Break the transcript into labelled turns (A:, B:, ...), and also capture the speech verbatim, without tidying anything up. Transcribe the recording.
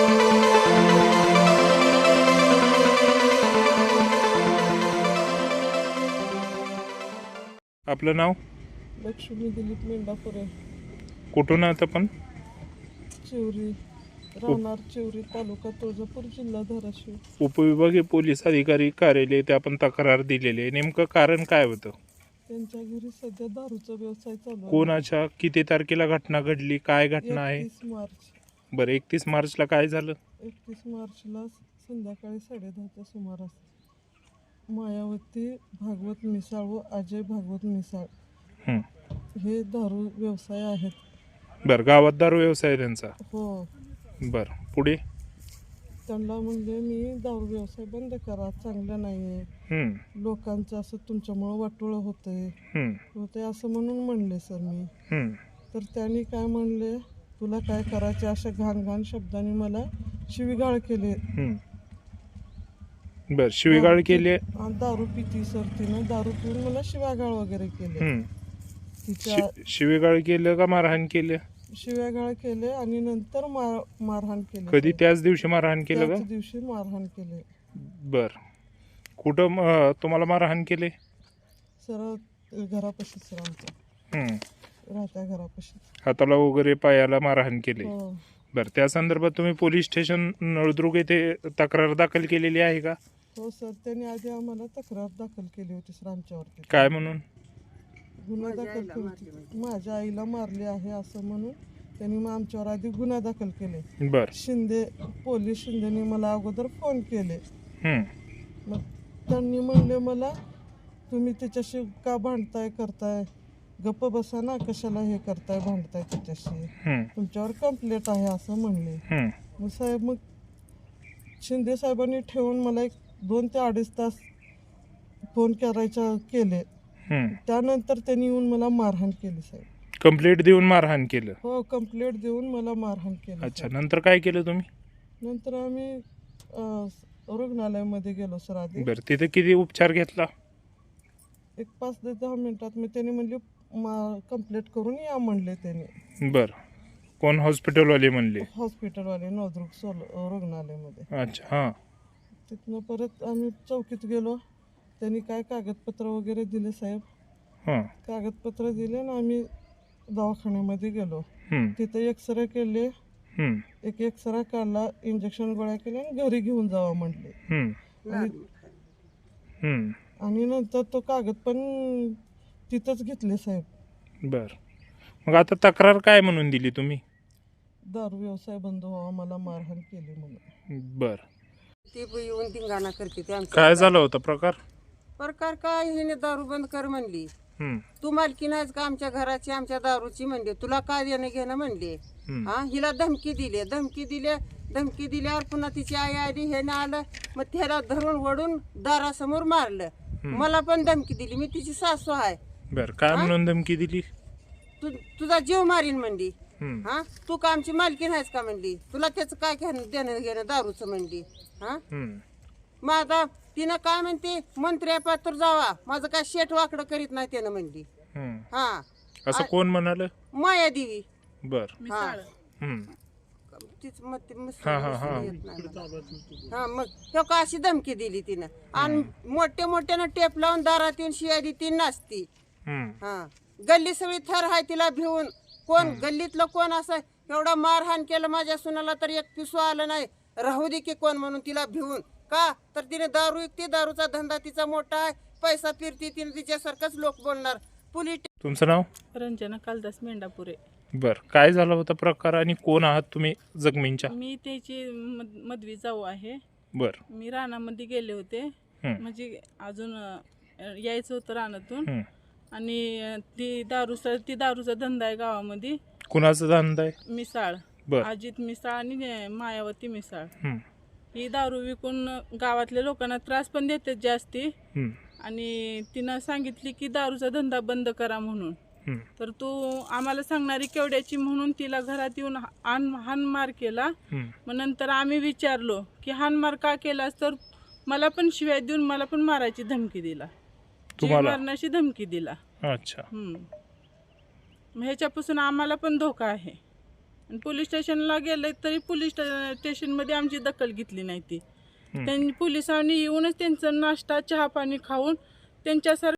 A: आपलं नाव?
B: लक्ष्मी दिलीप मेंढापुरे.
A: कुठून आहात आपण?
B: चिवरी, राहणार चिवरी, तालुका तुळजापूर, जिल्हा धाराशिव.
A: उपविभागीय पोलीस अधिकारी कार्यालय ते आपण तक्रार दिलेली आहे. नेमकं कारण काय होतं?
B: त्यांच्या घरी सध्या दारूचा व्यवसाय चालू आहे.
A: कोणाच्या किती तारखेला घटना घडली? काय घटना आहे?
B: एकतीस मार्च.
A: बरं, एकतीस मार्चला काय झालं?
B: एकतीस मार्चला संध्याकाळी साडेदहाच्या सुमारास मायावती भागवत मिसाळ व अजय भागवत मिसाळ
A: हं.
B: हे दारू व्यवसाय आहेत.
A: बरं, गावात दारू व्यवसाय आहे त्यांचा?
B: हो.
A: बरं, पुढे?
B: त्यांना म्हणजे मी दारू व्यवसाय बंद करा, चांगलं नाही आहे,
A: हं.
B: लोकांचं असं तुमच्यामुळं वाटोळं होतंय
A: हं.
B: होते असं म्हणून म्हणले सर मी.
A: हं.
B: तर त्यांनी काय म्हणले, तुला काय करायचे, अशा घाण घाण शब्दांनी मला शिवीगाळ केले.
A: हं. बरं, शिवीगाळ केली?
B: आणि दारू पिती सर, तिनं दारू पिऊन मला शिवागाळ वगैरे केले.
A: हं.
B: तिच्या
A: शि- शिवीगाळ केलं का मारहाण केलं?
B: शिव्यागाळ केले आणि नंतर मार मारहाण केले.
A: कधी? त्याच दिवशी मारहाण केलं का?
B: त्याच दिवशी मारहाण केले.
A: बर, कुठं म- तुम्हाला मारहाण केले?
B: सर घरापाशी सर, आमच्या
A: हं.
B: राहत्या घरापाशी.
A: हाताला वगैरे पायाला मारहाण केले?
B: हो
A: बरं, त्या संदर्भात तुम्ही पोलीस स्टेशन नळदुर्ग येथे तक्रार दाखल केलेली आहे का?
B: हो सर, त्यांनी आधी आम्हाला तक्रार दाखल केली होती सर आमच्यावरती.
A: काय म्हणून?
B: गुन्हा दाखल केली होती, माझ्या आईला मारले आहे असं म्हणून त्यांनी मग आमच्यावर आधी गुन्हा दाखल केले.
A: बर.
B: शिंदे पोलीस शिंदेने मला अगोदर फोन केले.
A: हं.
B: मग त्यांनी म्हणले मला, तुम्ही त्याच्याशी का भांडताय करताय, गप्प बसा ना, कशाला हे करताय भांडताय त्याच्याशी,
A: हं.
B: तुमच्यावर कंप्लेंट आहे असं म्हणले.
A: हं.
B: मग साहेब, मग शिंदे साहेबांनी ठेवून मला एक दोन ते अडीच तास फोन करायच्या केले.
A: हं.
B: त्यानंतर त्यांनी येऊन मला मारहाण केली साहेब.
A: कंप्लेंट देऊन मारहाण केलं?
B: हो, कंप्लेंट देऊन मला मारहाण केली.
A: अच्छा, नंतर काय केलं तुम्ही?
B: नंतर आम्ही अं, रुग्णालयामध्ये गेलो सर आधी.
A: बरं, तिथे किती उपचार घेतला?
B: एक पाच ते दहा मिनिटात मी त्यांनी म्हणले मा कंप्लेंट करून या म्हणले त्यांनी.
A: बरं, कोण हॉस्पिटलवाले म्हणले?
B: हॉस्पिटलवाले नवदुर्ग सोल रुग्णालयामध्ये.
A: अच्छा, हां.
B: तिथनं परत आम्ही चौकीत गेलो. त्यांनी काय कागदपत्र वगैरे दिले साहेब.
A: हां.
B: कागदपत्र दिले आणि आम्ही दवाखान्यामध्ये गेलो.
A: हं.
B: तिथे एक्सरे केले,
A: हं.
B: एक एक्सरा काढला, इंजेक्शन गोळ्या केल्या आणि घरी घेऊन जावा म्हटले.
A: हं.
B: आणि
A: हं.
B: आणि नंतर तो कागद पण तिथंच घेतले साहेब.
A: बरं, मग आता तक्रार काय म्हणून दिली तुम्ही?
B: दारू व्यवसाय बंद व्हावा, मला मारहाण केली म्हणून.
A: बरं,
C: ती पण येऊन धिंगाणा करते ते आमच्या.
A: काय झालं होतं प्रकार?
C: प्रकार काय, हिने दारू बंद कर म्हणली.
A: हं.
C: तू मालकी नाहीस का आमच्या घराची, आमच्या दारूची म्हणली, तुला काय देणं घेणं म्हणली.
A: हं.
C: हा, हिला धमकी दिली, धमकी दिली धमकी दिल्यावर पुन्हा तिची आई आली, हे ना आलं, मग त्याला धरून वडून दारासमोर मारलं. मला पण धमकी दिली, मी तिची सासू आहे.
A: बरं, काय म्हणून धमकी दिली?
C: तू तुझा जीव मारीन म्हणली.
A: हं.
C: हा, तू का आमची मालकी नाहीस का म्हणली, तुला त्याचं काय घेणं देणं घेणं दारूचं म्हणली. हा,
A: हं.
C: मग आता तिनं काय म्हणते, मंत्री पात्र जावा, माझं काय शेट वाकडं करीत नाही त्यानं म्हणली.
A: हं.
C: हा,
A: असं कोण म्हणाल?
C: माया देवी.
A: बर.
C: हा,
A: हं.
C: तीच मग ती मस्त
A: हा, हा, हा.
C: येत नाही मला. हा, मग ह्यो का अशी धमकी दिली तिनं, आणि मोठ्या मोठ्यानं टेप लावून दारात येऊन शिया दी ती नाचती.
A: हं.
C: हा, गल्ली सगळी थर आहे तिला भिवून. कोण गल्लीतलं कोण असं एवढा मारहाण केलं माझ्या सुनाला तर एक पिसू आलं नाही, राहू दे की कोण म्हणून तिला भिवून. का तर तिने दारू विकते, दारूचा धंदा तिचा मोठा आहे, पैसा फिरती, तिने तिच्यासारखंच लोक बोलणार. पोलीस.
A: तुमचं नाव?
D: रंजना कालदास मेंढापुरे.
A: बर, काय झालं होता प्रकार आणि कोण आहात तुम्ही जखमींच्या?
D: मी त्याची मद- मदवी जाऊ आहे.
A: बर.
D: मी रानामध्ये गेले होते,
A: हं.
D: म्हणजे अजून अ, यायचं होतं रानातून.
A: हं.
D: आणि अ, ती दारूचा ती दारूचा धंदा आहे गावामध्ये.
A: कुणाचा धंदा आहे?
D: मिसाळ,
A: बर.
D: अजित मिसाळ आणि अ, मायावती मिसाळ.
A: हं.
D: ही दारू विकून गावातल्या लोकांना त्रास पण देते जास्ती.
A: हं.
D: आणि तिनं सांगितली की दारूचा धंदा बंद करा म्हणून.
A: हं.
D: तर तू आम्हाला सांगणारी केवढ्याची म्हणून तिला घरात येऊन हान हानमार केला.
A: हं.
D: मग नंतर आम्ही विचारलो की हानमार का केलास, तर मला पण शिव्या देऊन मला पण मारायची धमकी दिला, जीव
A: तुम्हाला?
D: मारण्याची धमकी दिला.
A: अच्छा.
D: हम्म. मग ह्याच्यापासून आम्हाला पण धोका आहे. आणि पोलीस स्टेशनला गेले तरी पोलीस स्टेशनमध्ये आमची दखल घेतली नाही ती. त्यांनी पोलिसांनी येऊनच त्यांचा नाश्ता चहा पाणी खाऊन त्यांच्यासारखं